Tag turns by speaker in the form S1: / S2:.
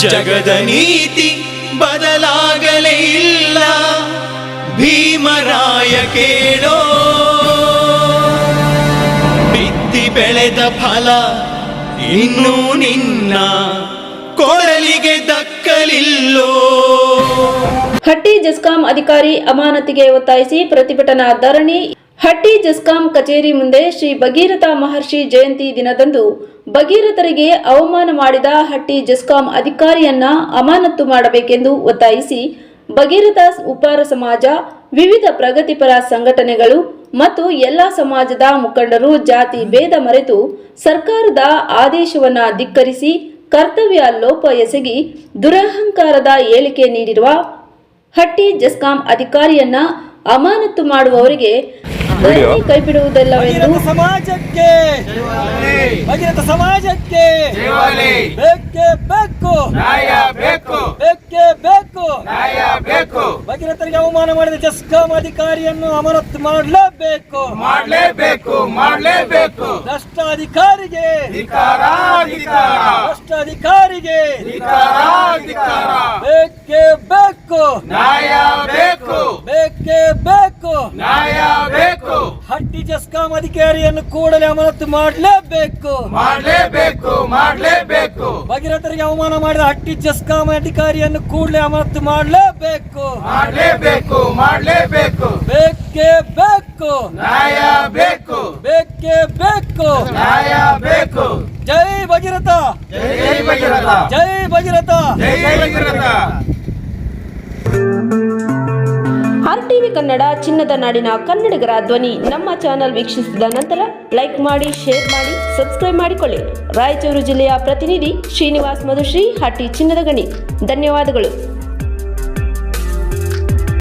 S1: ಜಗದ ನೀತಿ ಬದಲಾಗಲೇ ಇಲ್ಲ, ಭೀಮರಾಯ ಕೇಳೋ. ಬಿತ್ತಿ ಬೆಳೆದ ಫಲ ಇನ್ನೂ ನಿನ್ನ ಕೊಡಲಿಗೆ ದಕ್ಕಲಿಲ್ಲೋ.
S2: ಹಟ್ಟಿ ಜೆಸ್ಕಾಂ ಅಧಿಕಾರಿ ಅಮಾನತಿಗೆ ಒತ್ತಾಯಿಸಿ ಪ್ರತಿಭಟನಾ ಧರಣಿ. ಹಟ್ಟಿ ಜೆಸ್ಕಾಂ ಕಚೇರಿ ಮುಂದೆ ಶ್ರೀ ಭಗೀರಥ ಮಹರ್ಷಿ ಜಯಂತಿ ದಿನದಂದು ಭಗೀರಥರಿಗೆ ಅವಮಾನ ಮಾಡಿದ ಹಟ್ಟಿ ಜೆಸ್ಕಾಂ ಅಧಿಕಾರಿಯನ್ನ ಅಮಾನತು ಮಾಡಬೇಕೆಂದು ಒತ್ತಾಯಿಸಿ ಭಗೀರಥ ಉಪ್ಪಾರ ಸಮಾಜ, ವಿವಿಧ ಪ್ರಗತಿಪರ ಸಂಘಟನೆಗಳು ಮತ್ತು ಎಲ್ಲಾ ಸಮಾಜದ ಮುಖಂಡರು ಜಾತಿ ಭೇದ ಮರೆತು ಸರ್ಕಾರದ ಆದೇಶವನ್ನ ಧಿಕ್ಕರಿಸಿ ಕರ್ತವ್ಯ ಲೋಪ ಎಸಗಿ ದುರಹಂಕಾರದ ಹೇಳಿಕೆ ನೀಡಿರುವ ಹಟ್ಟಿ ಜೆಸ್ಕಾಂ ಅಧಿಕಾರಿಯನ್ನ ಅಮಾನತು ಮಾಡುವವರಿಗೆ ಕೈಬಿಡುವುದಿಲ್ಲವೆಂದು
S3: ಸಮಾಜಕ್ಕೆ ಭಗೀರಥ ಸಮಾಜಕ್ಕೆ ಬೇಕೇ ಬೇಕು, ನ್ಯಾಯ ಬೇಕು, ಬೇಕೇ ಬೇಕು, ನ್ಯಾಯ ಬೇಕು. ಭಗೀರಥರಿಗೆ ಅವಮಾನ ಮಾಡಿದ ಜೆಸ್ಕಾಂ ಅಧಿಕಾರಿಯನ್ನು ಅಮಾನತು ಮಾಡಲೇಬೇಕು, ಮಾಡಲೇಬೇಕು, ಮಾಡಲೇಬೇಕು. ಭ್ರಷ್ಟ ಅಧಿಕಾರಿಗೆ ಭ್ರಷ್ಟ ಅಧಿಕಾರಿಗೆ ಬೇಕೇ ಬೇಕು, ನ್ಯಾಯ ಬೇಕು, ಬೇಕೇ ಬೇಕು, ನ್ಯಾಯ ಬೇಕು. ಹಟ್ಟಿ ಜೆಸ್ಕಾಂ ಅಧಿಕಾರಿಯನ್ನು ಕೂಡಲೇ ಅಮಾನತು ಮಾಡಲೇಬೇಕು, ಮಾಡಲೇಬೇಕು, ಮಾಡಲೇಬೇಕು. ಭಗೀರಥರಿಗೆ ಅವಮಾನ ಮಾಡಿದ ಹಟ್ಟಿ ಜೆಸ್ಕಾಂ ಅಧಿಕಾರಿಯನ್ನು ಕೂಡಲೇ ಅಮಾನತು ಮಾಡಲೇಬೇಕು, ಮಾಡಲೇಬೇಕು, ಮಾಡಲೇಬೇಕು. ಬೇಕೇ ಬೇಕು, ನ್ಯಾಯ ಬೇಕು, ಬೇಕೇ ಬೇಕು, ನ್ಯಾಯ ಬೇಕು. ಜೈ ಭಗೀರಥ, ಜೈ ಭಗೀರಥ, ಜೈ ಭಗೀರಥ, ಜೈ ಭಗೀರಥ.
S2: RTV ಕನ್ನಡ, ಚಿನ್ನದ ನಾಡಿನ ಕನ್ನಡಿಗರ ಧ್ವನಿ. ನಮ್ಮ ಚಾನೆಲ್ ವೀಕ್ಷಿಸಿದ ನಂತರ ಲೈಕ್ ಮಾಡಿ, ಶೇರ್ ಮಾಡಿ, ಸಬ್ಸ್ಕ್ರೈಬ್ ಮಾಡಿಕೊಳ್ಳಿ. ರಾಯಚೂರು ಜಿಲ್ಲೆಯ ಪ್ರತಿನಿಧಿ ಶ್ರೀನಿವಾಸ್ ಮಧುಶ್ರೀ, ಹಟ್ಟಿ ಚಿನ್ನದ ಗಣಿ. ಧನ್ಯವಾದಗಳು.